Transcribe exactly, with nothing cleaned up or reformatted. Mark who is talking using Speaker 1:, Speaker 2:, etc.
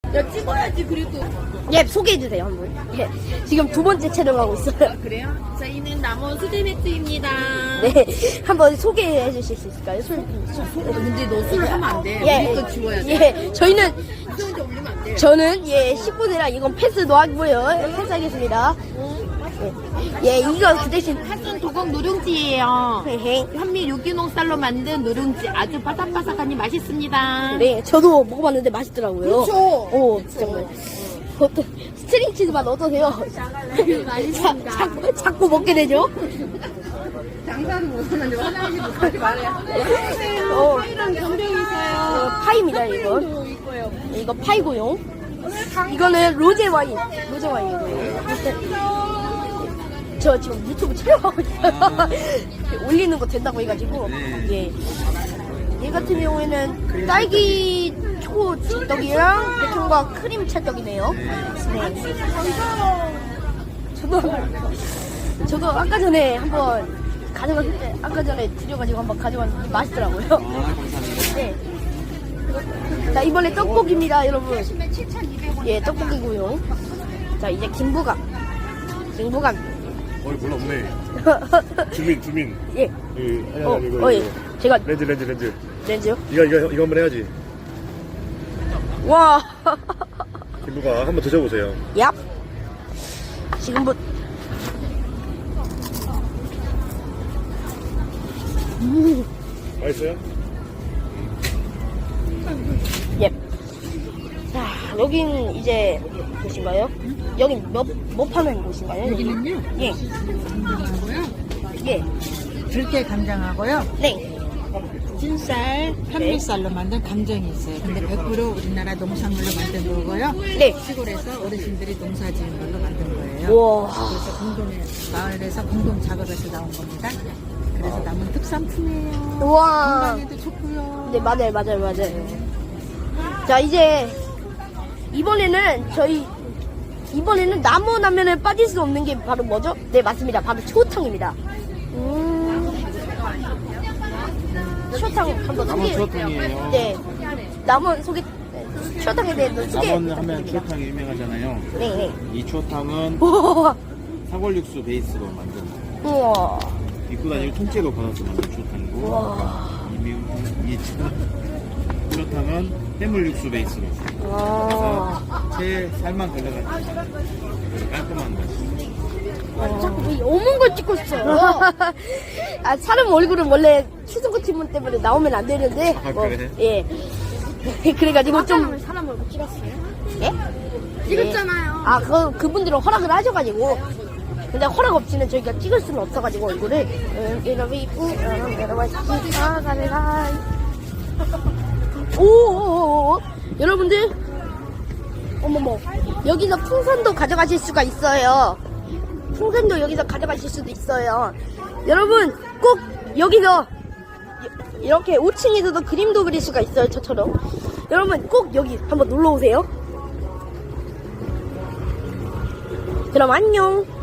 Speaker 1: 야, 찍어야지, 그래도.
Speaker 2: 예, 소개해주세요, 한번. 예, 지금 두 번째 촬영하고 있어요.
Speaker 1: 아, 그래요? 저희는 남원 수제 맥주입니다.
Speaker 2: 네, 한번 소개해 주실 수 있을까요? 술,
Speaker 1: 근데 너 술을 하면 안 돼.
Speaker 2: 예,
Speaker 1: 우리 거 지워야 돼.
Speaker 2: 예, 저희는,
Speaker 1: 수영대 올리면 안 돼.
Speaker 2: 저는, 예, 십 분이라 이건 패스도 하고요. 패스하겠습니다. 예, 예, 이거 그 대신,
Speaker 1: 한순 도곡 누룽지예요.
Speaker 2: 헤헤.
Speaker 1: 현미 유기농 쌀로 만든 누룽지 아주 바삭바삭하니 맛있습니다.
Speaker 2: 네, 저도 먹어봤는데 맛있더라고요.
Speaker 1: 그쵸?
Speaker 2: 오, 정말. 어떤, 스트링 치즈 맛 어떠세요?
Speaker 1: 맛있습니다.
Speaker 2: 자, 자꾸, 자꾸 먹게 되죠?
Speaker 1: 장사는 못하는데 화장실 못하지 말아요.
Speaker 2: 어,
Speaker 1: 파이랑 견병이
Speaker 2: 어,
Speaker 1: 있어요.
Speaker 2: 파이입니다, 이거.
Speaker 1: 있고요.
Speaker 2: 이거 파이고요. 이거는 로제 와인. 로제 와인이고요. 저 지금 유튜브 촬영하고 있어요. 올리는 거 된다고 해가지고. 예. 얘 같은 경우에는 딸기 초 찰떡이랑 베이컨과 크림 찰떡이네요. 네. 저도, 저도 아까 전에 한번 가져갔을 때, 아까 전에 드려가지고 한번 가져갔는데 맛있더라고요. 네. 자, 이번에 떡볶이입니다, 여러분. 예, 떡볶이고요. 자, 이제 김부각. 김부각.
Speaker 3: 어이 몰라 없네. 주민 주민.
Speaker 2: 예.
Speaker 3: 이 아니
Speaker 2: 어,
Speaker 3: 아니 이거
Speaker 2: 어, 예.
Speaker 3: 이거.
Speaker 2: 제가
Speaker 3: 렌즈 렌즈 렌즈.
Speaker 2: 렌즈요?
Speaker 3: 이거 이거 이거 한번 해야지.
Speaker 2: 와.
Speaker 3: 김부가 한번 드셔보세요.
Speaker 2: 얍. 지금부터. 음.
Speaker 3: 맛있어요?
Speaker 2: 예. 자, 여긴 이제 곳인가요? 여긴 뭐, 뭐 파는 곳인가요?
Speaker 4: 여기는요,
Speaker 2: 예.
Speaker 4: 간장하고요,
Speaker 2: 예.
Speaker 4: 들깨 간장하고요,
Speaker 2: 네.
Speaker 4: 찐쌀, 현미쌀로 만든 감정이 있어요. 근데 백 퍼센트 우리나라 농산물로 만든 거고요.
Speaker 2: 네.
Speaker 4: 시골에서 어르신들이 농사 지은 걸로 만든 거예요.
Speaker 2: 우와.
Speaker 4: 그래서 공동에, 마을에서 공동 작업에서 나온 겁니다. 그래서 남은 특산품이에요.
Speaker 2: 우와.
Speaker 4: 건강에도 좋고요.
Speaker 2: 네, 맞아요, 맞아요, 맞아요. 자, 이제, 이번에는 저희, 이번에는 나무 라면에 빠질 수 없는 게 바로 뭐죠? 네, 맞습니다. 바로 추어탕입니다. 음. 추어탕 한번
Speaker 5: 남원
Speaker 2: 소개.
Speaker 5: 추어탕이에요.
Speaker 2: 네. 남원 소개, 추어탕에 대해서 소개.
Speaker 5: 남원 하면
Speaker 2: 부탁드립니다.
Speaker 5: 추어탕이 유명하잖아요.
Speaker 2: 네, 네.
Speaker 5: 이 추어탕은
Speaker 2: 우와.
Speaker 5: 사골육수 베이스로 만든
Speaker 2: 우와.
Speaker 5: 입고 다니는 통째로 받아서 만든 추어탕이고
Speaker 2: 우와.
Speaker 5: 이, 이 추어탕은 해물육수 베이스로
Speaker 2: 와.
Speaker 5: 새 살만 걸러가지고 깔끔한 맛이.
Speaker 2: 자꾸 이 어문 걸 찍고 있어요. 아, 사람 얼굴은 원래 추승구 팀원 때문에 나오면 안 되는데.
Speaker 5: 아,
Speaker 2: 뭐,
Speaker 5: 그래?
Speaker 2: 예. 그래가지고 좀. 사람 얼굴 찍었어요? 예?
Speaker 1: 찍었잖아요.
Speaker 2: 아, 그, 그분들은 허락을 하셔가지고. 근데 허락 없이는 저희가 찍을 수는 없어가지고 얼굴을. 음, 이러면 이쁘, 음, 여러분, 가라. 오오오오. 여러분들. 어머머. 여기서 풍선도 가져가실 수가 있어요. 풍선도 여기서 가져가실 수도 있어요. 여러분 꼭 여기서 이렇게 오 층에서도 그림도 그릴 수가 있어요. 저처럼. 여러분 꼭 여기 한번 놀러 오세요. 그럼 안녕.